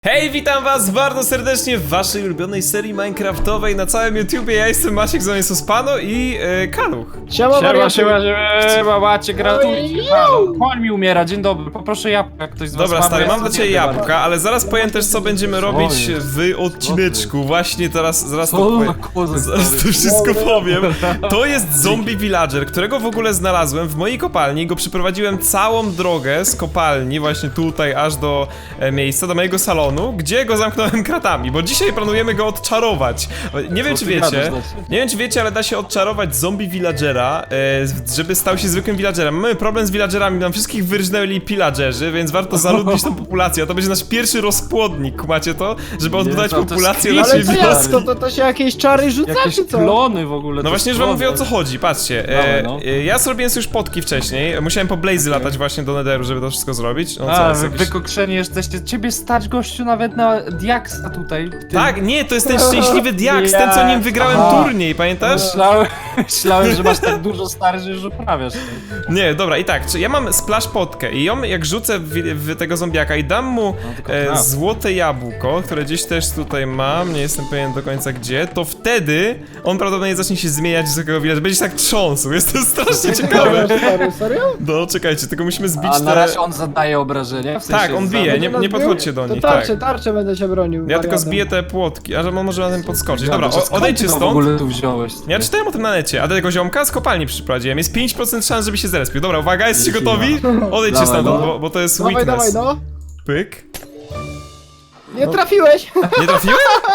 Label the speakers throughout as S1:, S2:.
S1: Hej, witam was bardzo serdecznie w waszej ulubionej serii minecraftowej na całym YouTubie. Ja jestem Maciek, z nami jest Ospano i Kaluch.
S2: Siema, Maciek, gratuluję. Koń mi umiera, dzień dobry, poproszę jabłka, jak ktoś z was
S1: Dobra,
S2: ma,
S1: stary,
S2: bo ja
S1: mam dla
S2: sobie
S1: ciebie
S2: nie
S1: jabłka, ale zaraz powiem też, co będziemy robić w odcineczku. Właśnie zaraz to powiem. Zaraz to wszystko powiem. To jest zombie villager, którego w ogóle znalazłem w mojej kopalni. Go przyprowadziłem całą drogę z kopalni, właśnie tutaj, aż do miejsca, do mojego salonu, gdzie go zamknąłem kratami, bo dzisiaj planujemy go odczarować. Nie wiem, czy wiecie, ale da się odczarować zombie villagera, żeby stał się zwykłym villagerem. Mamy problem z villagerami, nam wszystkich wyrżnęli pillagerzy, więc warto zaludnić tą populację. A to będzie nasz pierwszy rozpłodnik, macie to? Żeby odbudować populację
S2: jest
S1: naszej
S2: creepy,
S1: wioski.
S2: stary.
S3: To się jakieś czary rzuca,
S2: Jakieś
S3: czy co?
S2: klony w ogóle.
S1: No właśnie, już wam mówię, o co chodzi, patrzcie.
S2: Dawaj, no.
S1: Ja zrobiłem sobie już potki wcześniej, musiałem po blazy latać właśnie do netheru, żeby to wszystko zrobić. No co,
S2: A,
S1: jest
S2: wy
S1: jakiś...
S2: wykokszeni jesteście, ciebie stać gościu nawet na diaksa tutaj.
S1: Tak, nie, to jest ten szczęśliwy diaks, ten co nim wygrałem turniej, pamiętasz?
S2: Myślałem, że masz tak dużo stary, że już uprawiasz.
S1: Nie, dobra, i tak, ja mam splash potkę i ją jak rzucę w tego zombiaka i dam mu złote jabłko, które gdzieś też tutaj mam, nie jestem pewien do końca gdzie, to wtedy on prawdopodobnie zacznie się zmieniać z takiego widać, będzie się tak trząsł, jest to strasznie ciekawe.
S3: Serio?
S1: No, czekajcie, tylko musimy zbić
S2: A
S1: te...
S2: na razie on zadaje obrażenia? W sensie
S1: Tak, on bije, nie podchodźcie do nich,
S3: To
S1: tak.
S3: tarczę będę się bronił.
S1: Ja tylko
S3: wariatem.
S1: zbiję te płotki, a że on może na tym podskoczyć. Dobra,
S2: Skąd
S1: odejdźcie
S2: ty to w
S1: stąd.
S2: ogóle tu wziąłeś?
S1: Ja czytałem o tym na necie, a do tego ziomka z kopalni przyprowadziłem. Jest 5% szans, żeby się zrespił. Dobra, uwaga, jesteście gotowi? Odejdźcie
S2: Dawaj,
S1: stamtąd,
S2: no.
S1: bo to jest
S3: Dawaj,
S1: weakness.
S3: no.
S1: Pyk.
S3: Nie trafiłeś!
S1: Nie trafiłem?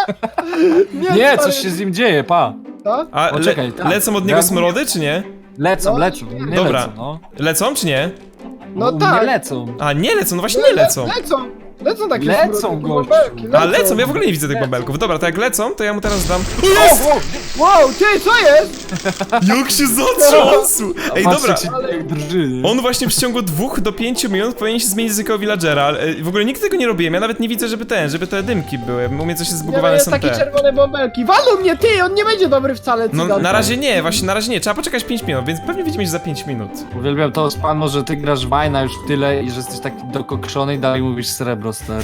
S2: Nie,
S3: stary.
S2: coś się z nim dzieje, pa.
S3: Tak?
S1: A
S2: O, czekaj, tak.
S1: lecą od niego smrody, czy nie?
S2: Lecą,
S3: No,
S2: lecą, nie
S1: Dobra.
S2: lecą, no.
S1: Lecą, czy nie?
S3: No
S2: Nie
S3: tak.
S2: lecą.
S1: A, nie lecą, no właśnie nie lecą.
S3: Lecą takie
S2: Lecą,
S3: smrodki,
S2: gościu.
S3: bąbelki,
S1: A, lecą, ja w ogóle nie widzę tych bąbelków. Dobra, to jak lecą, to ja mu teraz dam...
S3: Wow, ty, co jest?
S1: Jak się zatrząsł! Ej, dobra.
S2: Jak drży, nie?
S1: On właśnie w ciągu 2 do 5 minut powinien się zmienić z jakiego villagera, ale w ogóle nigdy tego nie robiłem, ja nawet nie widzę, żeby te dymki były, u mnie coś jest
S3: Nie, no
S1: zbugowane
S3: jest
S1: są
S3: takie
S1: te.
S3: czerwone bąbelki. Walą mnie, ty, on nie będzie dobry wcale,
S1: No
S3: cygan.
S1: na razie nie, właśnie na razie nie, trzeba poczekać 5 minut, więc pewnie widzimy się za 5 minut.
S2: Uwielbiam to, Spano, że ty grasz Wajna już tyle i że jesteś taki dokokszony i dalej mówisz srebro, stary.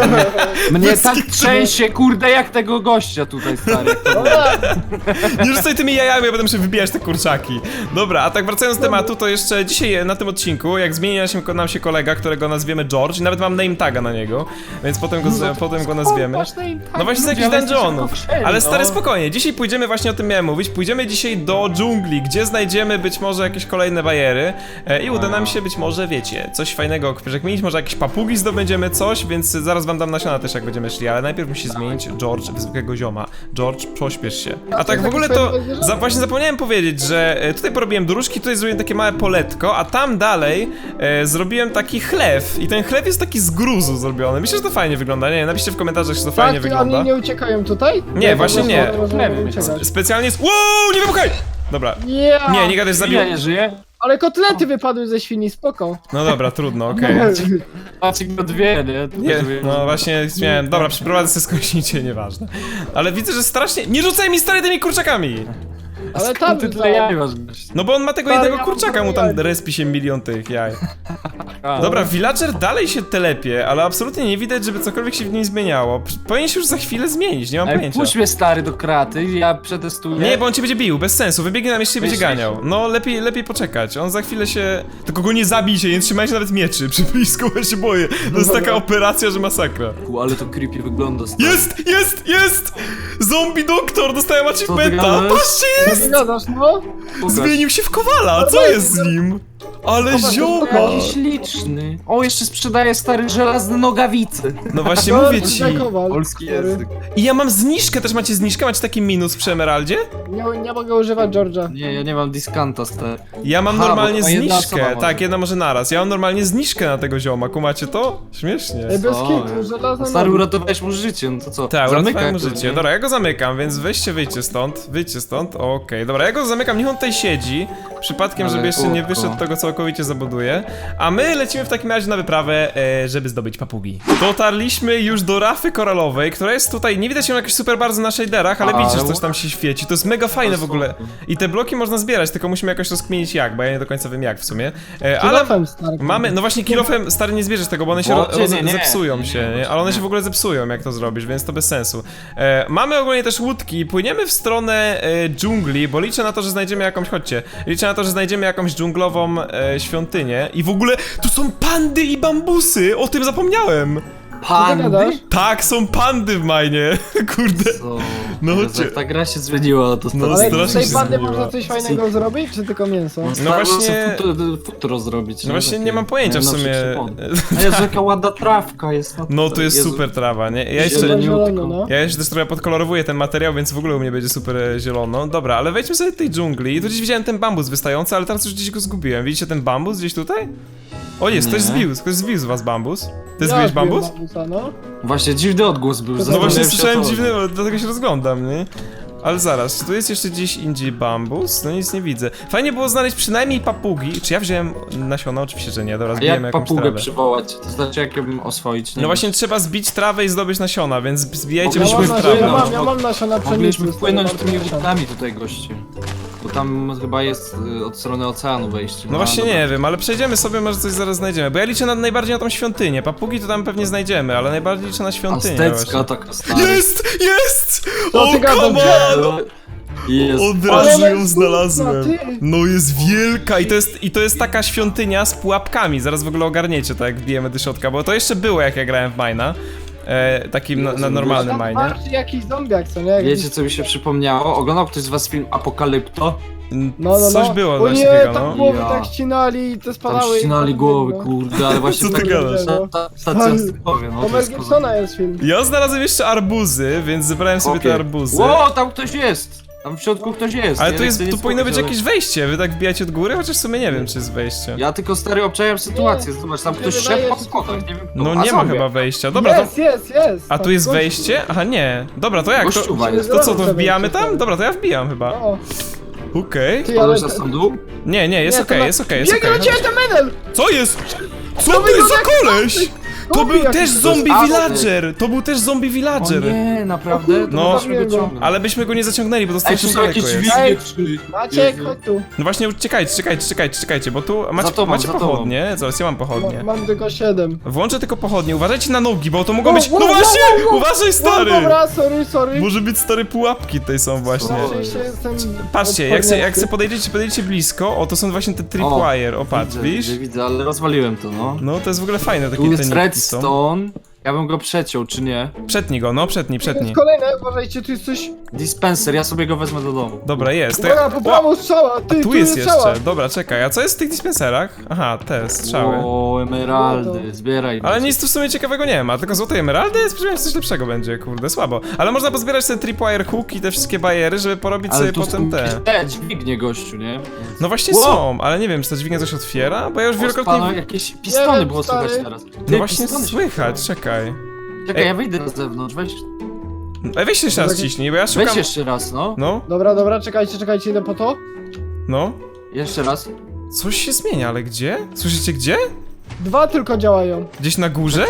S2: Mnie tak trzęsie, kurde, jak tego gościa tutaj, stary.
S3: Dobra,
S1: Nie rzucaj tymi jajami, ja będę musiał wybijać te kurczaki. Dobra, a tak wracając do tematu, to jeszcze dzisiaj na tym odcinku, jak zmieni nam się kolega, którego nazwiemy George, i nawet mam name taga na niego, więc potem go nazwiemy. No właśnie z jakichś dungeonów. Ale stary, spokojnie, dzisiaj pójdziemy, właśnie o tym miałem mówić, pójdziemy dzisiaj do dżungli, gdzie znajdziemy być może jakieś kolejne bariery i uda nam się być może, wiecie, coś fajnego przekminić, może jakieś papugi zdobędziemy, coś, więc zaraz wam dam nasiona też, jak będziemy szli, ale najpierw musi zmienić George w zwykłego zioma. George, pośpiesz się. A tak w ogóle to właśnie zapomniałem powiedzieć, że tutaj porobiłem dróżki, tutaj zrobiłem takie małe poletko, a tam dalej zrobiłem taki chlew i ten chlew jest taki z gruzu zrobiony. Myślę, że to fajnie wygląda, nie? Napiszcie w komentarzach, czy to fajnie
S3: tak,
S1: wygląda.
S3: oni nie uciekają tutaj?
S1: Nie, właśnie nie.
S3: Możemy uciekać.
S1: Specjalnie jest... Wow, nie wybuchaj! Dobra.
S3: Yeah.
S1: Nie gadaj, zabił.
S2: Ja nie żyję?
S3: Ale kotlety wypadły ze świni, spoko.
S1: No dobra, trudno, okej.
S2: Maciek go dwie, nie?
S1: Nie, no właśnie śmiałem. Dobra, przeprowadzę sobie skądincie, nieważne. Ale widzę, że strasznie... Nie rzucaj mi stary tymi kurczakami!
S3: Ale tam
S2: Ty tyle jaj masz, gość.
S1: No bo on ma tego
S3: Stary,
S1: jednego
S3: ja
S1: kurczaka, mu tam respi się milion tych jaj. Dobra, villager dalej się telepie, ale absolutnie nie widać, żeby cokolwiek się w nim zmieniało. Powinien się już za chwilę zmienić, nie mam
S2: Ej,
S1: pojęcia.
S2: puść mnie, stary, do kraty, ja przetestuję.
S1: Nie, bo on cię będzie bił, bez sensu, wybiegnie nam jeszcze i będzie
S2: Myślisz?
S1: ganiał. No, lepiej poczekać, on za chwilę się... Tylko go nie zabijcie, nie trzymajcie nawet mieczy, przy blisku, bo ja się boję. To jest taka operacja, że masakra.
S2: Ale to creepy wygląda, stary.
S1: Jest! Zombie doktor, dostałem achievementa!
S2: gadasz?
S1: Patrzcie, jest!
S3: Zgadzasz, no?
S1: Zmienił się w kowala, co jest z nim? Ale zioma!
S2: Jaki śliczny. O, jeszcze sprzedaje stary żelazne nogawice.
S1: No właśnie mówię ci.
S2: Polski język.
S1: I ja mam zniżkę, też macie zniżkę? Macie taki minus przy emeraldzie?
S3: Nie mogę używać George'a.
S2: Nie, ja nie mam diskanta, stary.
S1: Ja mam
S2: Aha,
S1: normalnie
S2: bo to jedna
S1: zniżkę.
S2: osoba może.
S1: Tak, jedna może naraz. Ja mam normalnie zniżkę na tego zioma, kumacie to? Śmiesznie.
S3: Ej, bez
S2: O,
S3: kitu, żelazna
S2: Stary,
S3: noga.
S2: uratowałeś mu życie, no to co?
S1: Tak,
S2: Zamykaj
S1: uratowałem mu
S2: to,
S1: życie.
S2: nie?
S1: Dobra, ja go zamykam, więc wyjdźcie stąd. Okej, dobra, ja go zamykam, niech on tutaj siedzi. Przypadkiem,
S2: Ale
S1: żeby jeszcze nie
S2: chłopko.
S1: wyszedł tego, co całkowicie zabuduje. A my lecimy w takim razie na wyprawę, żeby zdobyć papugi. Dotarliśmy już do rafy koralowej, która jest tutaj, nie widać ją jakoś super bardzo na shaderach, ale widzicie, że coś tam się świeci. To jest mega fajne w ogóle. I te bloki można zbierać, tylko musimy jakoś rozkminić jak, bo ja nie do końca wiem jak w sumie. Ale
S3: Kilofem, stary.
S1: mamy, no właśnie kilofem stary nie zbierzesz tego, bo one się zepsują się, nie? Ale one się w ogóle zepsują jak to zrobisz, więc to bez sensu. Mamy ogólnie też łódki, płyniemy w stronę dżungli, bo liczę na to, że znajdziemy jakąś, chodźcie, liczę na to, że znajdziemy jakąś dżunglową świątynię i w ogóle tu są pandy i bambusy, o tym zapomniałem.
S2: Pandy?
S1: Tak, są pandy w Minie, kurde.
S2: Co?
S1: No
S2: Jezu,
S1: chodźcie.
S2: jak ta gra się zmieniła, to
S1: No,
S3: Ale
S1: strasznie
S3: z tej
S1: się
S3: pandy
S1: zmieniła.
S3: można coś fajnego zrobić, czy tylko mięso?
S1: No właśnie-
S2: Futuro zrobić.
S1: No właśnie nie mam pojęcia w sumie.
S2: A Jezu, jaka ładna trawka jest.
S1: No to jest
S2: Jezu.
S1: super trawa, nie? Ja jeszcze...
S2: Zieleniutko.
S3: Zielono, no.
S1: Ja jeszcze też trochę podkolorowuję ten materiał, więc w ogóle u mnie będzie super zielono. Dobra, ale wejdźmy sobie do tej dżungli. I tu gdzieś widziałem ten bambus wystający, ale teraz już gdzieś go zgubiłem. Widzicie ten bambus gdzieś tutaj? O jest,
S2: Nie.
S1: ktoś zbił z was bambus. Ty
S3: Ja
S1: zbiłeś
S3: zbiłem
S1: bambus?
S3: bambusa, no.
S2: Właśnie dziwny odgłos był.
S3: No
S1: No
S2: zastanawiałem
S1: właśnie
S2: się,
S1: słyszałem
S2: co to.
S1: dziwny, dlatego się rozglądam, nie? Ale zaraz, czy tu jest jeszcze gdzieś indziej bambus? No nic nie widzę. Fajnie było znaleźć przynajmniej papugi. Czy ja wziąłem nasiona? Oczywiście, że nie. Dobra,
S2: A
S1: zbijemy
S2: jak
S1: jakąś
S2: papugę
S1: trawę.
S2: przywołać? To znaczy jak ją oswoić? Nie
S1: No właśnie
S2: wiem.
S1: trzeba zbić trawę i zdobyć nasiona, więc zbijajcie
S2: Mogliśmy
S1: byśmy
S3: Ja
S1: trawę.
S3: mam,
S1: No.
S3: nasiona pszenicy.
S2: Mogliśmy
S3: stary,
S2: wpłynąć
S3: bardzo
S2: tymi
S3: nasiona.
S2: łódkami tutaj, goście. Bo tam chyba jest od strony oceanu wejście.
S1: No właśnie
S2: dobra.
S1: nie wiem, ale przejdziemy sobie, może coś zaraz znajdziemy. Bo ja liczę najbardziej na tą świątynię. Papugi to tam pewnie znajdziemy, ale najbardziej liczę na świątynię.
S2: Aztecka taka stara.
S1: Jest! Jest!
S3: No
S1: O,
S3: ty gadasz,
S1: come
S3: że-
S1: on!
S2: Jest.
S1: Od
S3: Ale
S1: razu
S3: ona
S1: ją
S3: jest
S1: znalazłem.
S3: smutna, ty.
S1: No jest wielka i to jest taka świątynia z pułapkami. Zaraz w ogóle ogarniecie to, jak wbijemy do środka, bo to jeszcze było, jak ja grałem w Mine'a. Takim na normalnym
S3: Tam
S1: Mine'ie.
S3: masz jakiś zombiak, co nie?
S2: Wiecie co mi się przypomniało? Oglądał ktoś z was film Apokalipto?
S1: Coś było
S3: O
S1: coś
S3: nie,
S1: takiego,
S3: tam
S1: no.
S3: głowy
S2: Ja.
S3: tak ścinali i te
S2: Tam
S3: spadały.
S2: ścinali
S3: i-
S2: głowy,
S3: no.
S2: kurde, ale właśnie
S1: Co ty
S2: tak...
S1: gadasz?
S2: Stacja stykowie, no
S3: To
S2: to
S3: Mel
S2: jest
S3: Gibsona jest film.
S1: Ja znalazłem jeszcze arbuzy, więc zebrałem sobie te
S2: Okej.
S1: arbuzy.
S2: Ło, tam ktoś jest! Tam w środku ktoś jest.
S1: Ale
S2: Ja
S1: tu jest,
S2: chcę
S1: tu
S2: nic
S1: powinno być
S2: powiedzieć,
S1: jakieś wejście, wy tak wbijacie od góry, chociaż w sumie nie wiem, czy jest wejście.
S2: Ja tylko stary obczajam sytuację,
S3: Nie,
S2: zobacz, tam
S3: nie
S2: ktoś
S3: wydaje
S2: szedł po
S3: się
S2: schodach,
S3: tutaj.
S2: nie wiem kto.
S1: No
S2: A
S1: nie ma
S2: zombie.
S1: chyba wejścia, dobra to...
S3: Jest.
S1: A tu jest
S3: Gościu.
S1: wejście? Aha, nie. Dobra, to jak? To,
S2: Gościuwa jest.
S1: to co, to
S3: Wejście,
S1: wbijamy
S3: wejście.
S1: tam? Dobra, to ja wbijam chyba.
S3: O,
S1: Okej.
S3: ty, ale...
S2: Ale za sądu?
S1: Nie, jest
S3: Nie, to
S1: okej,
S3: na-
S1: jest okej, jest
S3: Biegnie
S1: okej.
S3: na ciebie ten menel!
S1: Co jest? Co
S3: To
S1: to jest za
S3: wygląda jak
S1: koleś? To
S3: zombie
S1: był
S3: jakiś.
S1: też
S3: To jest
S1: zombie
S2: Aztek.
S1: villager! To był też zombie
S2: O
S1: villager!
S2: nie, naprawdę? To
S1: No.
S2: musimy go ciągnąć.
S1: Ale byśmy go nie zaciągnęli, bo
S2: Ej,
S1: dostaliśmy
S2: tu są
S1: daleko
S2: jakieś
S1: jest.
S2: dźwignie, czy...
S3: Maciek,
S2: Jezu.
S3: chodź tu.
S1: No właśnie, czekajcie, bo tu macie,
S2: Za tobą,
S1: macie
S2: za tobą.
S1: pochodnie. Zaraz, ja mam pochodnie.
S3: Mam tylko 7.
S1: Włączę tylko pochodnie, uważajcie na nogi, bo to mogą
S3: Wow,
S1: być... No
S3: wow,
S1: właśnie!
S3: wow, wow.
S1: Uważaj, stary!
S3: Dobra, sorry.
S1: Może być stare pułapki tutaj są właśnie.
S3: Oczywiście jestem
S1: Patrzcie, jak se podejdziecie blisko, o to są właśnie te tripwire, o patrz, widzisz?
S2: Widzę, ale rozwaliłem to, no.
S1: No to jest w ogóle fajne, takie
S2: Tu
S1: te
S2: jest
S1: nitki są.
S2: redstone. Ja bym go przeciął, czy nie?
S1: Przetnij go, no przetnij.
S3: Jest kolejne, uważajcie, tu jest coś...
S2: Dispenser, ja sobie go wezmę do domu.
S1: Dobra, jest. To ja...
S3: Uwaga, po prawo strzała, ty,
S1: Tu jest
S3: strzała.
S1: jeszcze, dobra, czekaj, a co jest w tych dispenserach? Aha, te strzały.
S2: O, emeraldy, zbieraj.
S1: Ale nic tu w sumie ciekawego nie ma, tylko złote emeraldy, spodziewałem się coś lepszego będzie, kurde, słabo. Ale można pozbierać te tripwire hook i te wszystkie bariery, żeby porobić sobie
S2: tu
S1: potem
S2: są
S1: te.
S2: jakieś dźwignie, gościu, nie?
S1: No właśnie
S2: Wow.
S1: są, ale nie wiem, czy ta dźwignia coś otwiera, bo ja już
S2: Pano,
S1: wielokrotnie...
S2: jakieś pistony
S3: wiem,
S2: było
S3: stary.
S2: słychać teraz.
S1: No właśnie
S2: pistony się-
S1: słychać, czekaj.
S2: Czekaj,
S1: Ej.
S2: ja wyjdę na zewnątrz,
S1: Ej, weź jeszcze raz ciśnij, bo ja szukam...
S2: Weź jeszcze raz, no.
S1: No,
S3: Dobra, czekajcie, idę po to.
S1: no.
S2: Jeszcze raz.
S1: Coś się zmienia, ale gdzie? Słyszycie gdzie?
S3: 2 tylko działają.
S1: Gdzieś na górze?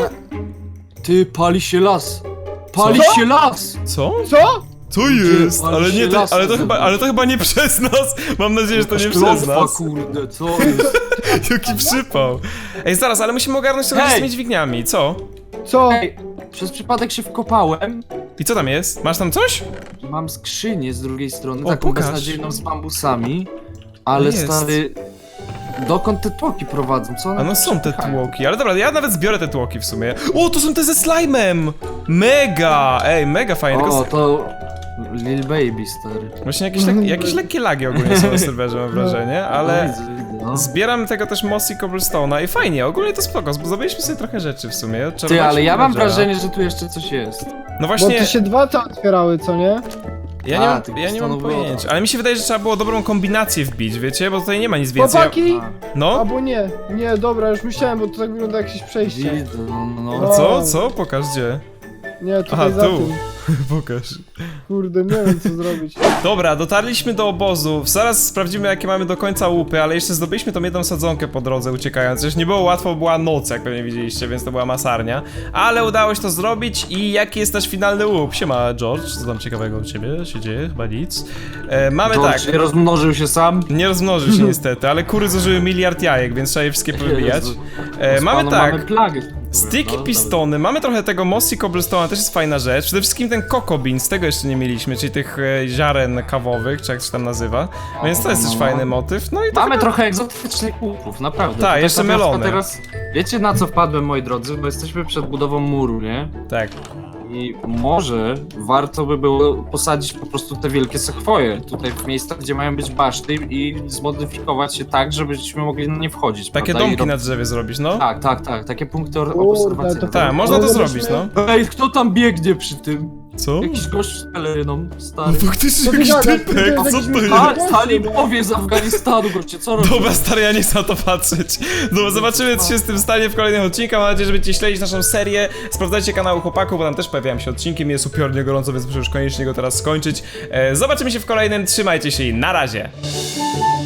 S2: Ty, pali się las. Pali
S3: Co?
S2: się las!
S1: Co?
S3: Co?
S1: Co jest?
S2: ale
S1: Ale
S2: się
S1: nie,
S2: las
S1: ale to chyba nie przez nas. Mam nadzieję, że to nie
S2: Jakaś
S1: przez
S2: klątwa,
S1: nas.
S2: kurde, co jest?
S1: Jaki przypał. Ej, zaraz, ale musimy ogarnąć to z tymi dźwigniami, co?
S3: Co?
S2: Ej, przez przypadek się wkopałem.
S1: I co tam jest? Masz tam coś?
S2: Mam skrzynię z drugiej strony,
S1: O,
S2: taką
S1: pokaż.
S2: beznadziejną z bambusami. Ale
S1: Jest.
S2: stary... Dokąd te tłoki prowadzą? Co one
S1: A no
S2: tam
S1: są te
S2: przepychają?
S1: tłoki, ale dobra, ja nawet zbiorę te tłoki w sumie. O, to są te ze slime'em! Mega! Ej, mega fajnie, tylko...
S2: O, to... Lil Baby, stary.
S1: Właśnie jakieś lekkie lagi ogólnie są na serwerze, mam wrażenie,
S2: No,
S1: ale...
S2: widzę, no.
S1: Zbieram tego też mossy cobblestone'a i fajnie, ogólnie to spoko, bo zdobyliśmy sobie trochę rzeczy w sumie. Trzeba
S2: Ty,
S1: dać
S2: ale ja mam
S1: villagera.
S2: wrażenie, że tu jeszcze coś jest.
S1: No
S3: Bo
S1: właśnie,
S3: to się 2 te otwierały, co nie?
S2: tych
S1: ja nie mam
S2: pistonów było.
S1: pojęcia, ale mi się wydaje, że trzeba było dobrą kombinację wbić, wiecie, bo tutaj nie ma nic więcej.
S3: Chłopaki!
S1: No?
S3: Albo nie. Nie, dobra, już myślałem, bo to tak wygląda jak jakieś przejście.
S2: Widzę, no.
S1: A co? Co? Pokaż gdzie.
S3: Nie,
S1: Aha,
S3: tutaj za
S1: tu.
S3: tym.
S1: Pokaż.
S3: Kurde, nie wiem co zrobić.
S1: Dobra, dotarliśmy do obozu. Zaraz sprawdzimy, jakie mamy do końca łupy, ale jeszcze zdobyliśmy tą jedną sadzonkę po drodze uciekając. Już nie było łatwo, bo była noc, jak pewnie widzieliście, więc to była masarnia. Ale udało się to zrobić i jaki jest nasz finalny łup? Siema, George, co tam ciekawego u ciebie się dzieje? Chyba nic. Mamy
S2: George
S1: tak.
S2: nie rozmnożył się sam.
S1: Nie rozmnożył się niestety, ale kury zużyły 1 miliard jajek, więc trzeba je wszystkie powybijać. Mamy tak.
S2: Mamy plagę.
S1: Sticky
S2: No,
S1: pistony, mamy trochę tego mossy cobblestone, też jest fajna rzecz. Przede wszystkim ten coco beans, tego jeszcze nie mieliśmy, czyli tych ziaren kawowych, czy jak się tam nazywa. Więc to jest też fajny motyw. No i to
S2: Mamy
S1: chyba...
S2: trochę egzotycznych łupów, naprawdę.
S1: Tak,
S2: To
S1: jeszcze
S2: na przykład
S1: melony.
S2: Teraz, wiecie na co wpadłem, moi drodzy? Bo jesteśmy przed budową muru, nie?
S1: Tak.
S2: I może warto by było posadzić po prostu te wielkie sekwoje tutaj w miejscach, gdzie mają być baszty i zmodyfikować się tak, żebyśmy mogli na nie wchodzić,
S1: Takie
S2: prawda?
S1: domki na drzewie zrobić, no.
S2: Tak, takie punkty
S3: Kurde,
S2: obserwacyjne.
S3: to
S1: Tak, można to
S3: Ale
S1: zrobić,
S3: myśmy-
S1: no.
S2: Ej, kto tam biegnie przy tym?
S1: Co?
S2: Jakiś gość z peleryną, stary.
S1: Faktycznie
S3: To
S1: jakiś
S3: jest
S1: typek,
S3: jakiś
S1: co to
S3: gość.
S1: jest?
S2: A, talibowie z Afganistanu, goście, co robisz?
S1: Dobra, stary, ja nie chcę na to patrzeć. Dobra, zobaczymy, co się z tym stanie w kolejnych odcinkach. Mam nadzieję, że będziecie śledzić naszą serię. Sprawdzajcie kanał chłopaków, bo tam też pojawiają się odcinki. Mi jest upiornie gorąco, więc muszę już koniecznie go teraz skończyć. Zobaczymy się w kolejnym. Trzymajcie się i na razie.